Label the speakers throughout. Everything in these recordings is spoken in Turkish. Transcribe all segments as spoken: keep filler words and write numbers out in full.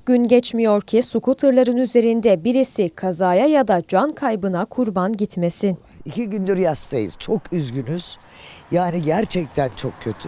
Speaker 1: Gün geçmiyor ki skuterların üzerinde birisi kazaya ya da can kaybına kurban gitmesin.
Speaker 2: İki gündür yastayız. Çok üzgünüz. Yani gerçekten çok kötü.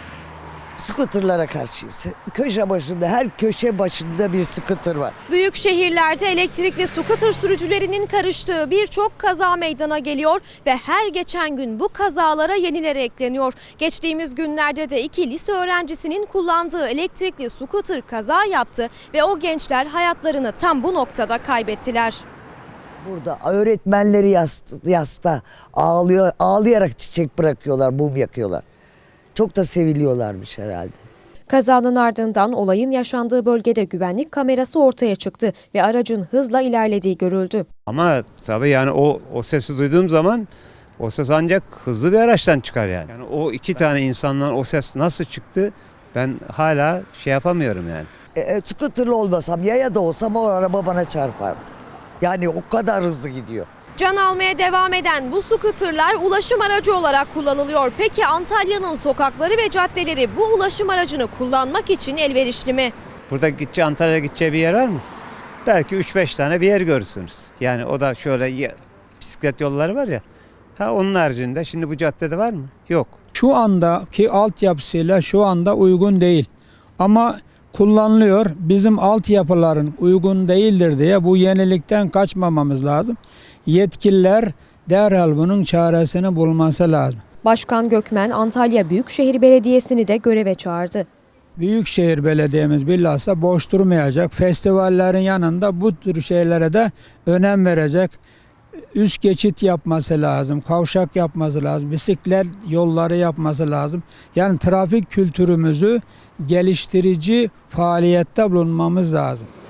Speaker 2: Skuterlara karşıyız. Köşe başında, her köşe başında bir skuter var.
Speaker 1: Büyük şehirlerde elektrikli skuter sürücülerinin karıştığı birçok kaza meydana geliyor ve her geçen gün bu kazalara yenileri ekleniyor. Geçtiğimiz günlerde de iki lise öğrencisinin kullandığı elektrikli skuter kaza yaptı ve o gençler hayatlarını tam bu noktada kaybettiler.
Speaker 2: Burada öğretmenleri yasta, yasta ağlıyor, ağlayarak çiçek bırakıyorlar, mum yakıyorlar. Çok da seviliyorlarmış herhalde.
Speaker 1: Kazanın ardından olayın yaşandığı bölgede güvenlik kamerası ortaya çıktı ve aracın hızla ilerlediği görüldü.
Speaker 3: Ama tabii yani o o sesi duyduğum zaman o ses ancak hızlı bir araçtan çıkar yani. Yani o iki tane insandan o ses nasıl çıktı ben hala şey yapamıyorum yani.
Speaker 2: E, e, skuterlı olmasam, yaya da olsam o araba bana çarpardı. Yani o kadar hızlı gidiyor.
Speaker 1: Can almaya devam eden bu skuterlar ulaşım aracı olarak kullanılıyor. Peki Antalya'nın sokakları ve caddeleri bu ulaşım aracını kullanmak için elverişli mi?
Speaker 3: Burada gideceği Antalya'ya gideceği bir yer var mı? Belki üç beş tane bir yer görürsünüz. Yani o da şöyle ya, bisiklet yolları var ya. Ha onun haricinde şimdi bu caddede var mı? Yok.
Speaker 4: Şu andaki altyapısıyla şu anda uygun değil. Ama kullanılıyor. Bizim altyapıların uygun değildir diye bu yenilikten kaçmamamız lazım. Yetkililer derhal bunun çaresini bulması lazım.
Speaker 1: Başkan Gökmen Antalya Büyükşehir Belediyesi'ni de göreve çağırdı.
Speaker 4: Büyükşehir Belediye'miz bilhassa boş durmayacak. Festivallerin yanında bu tür şeylere de önem verecek. Üst geçit yapması lazım, kavşak yapması lazım, bisiklet yolları yapması lazım. Yani trafik kültürümüzü geliştirici faaliyette bulunmamız lazım.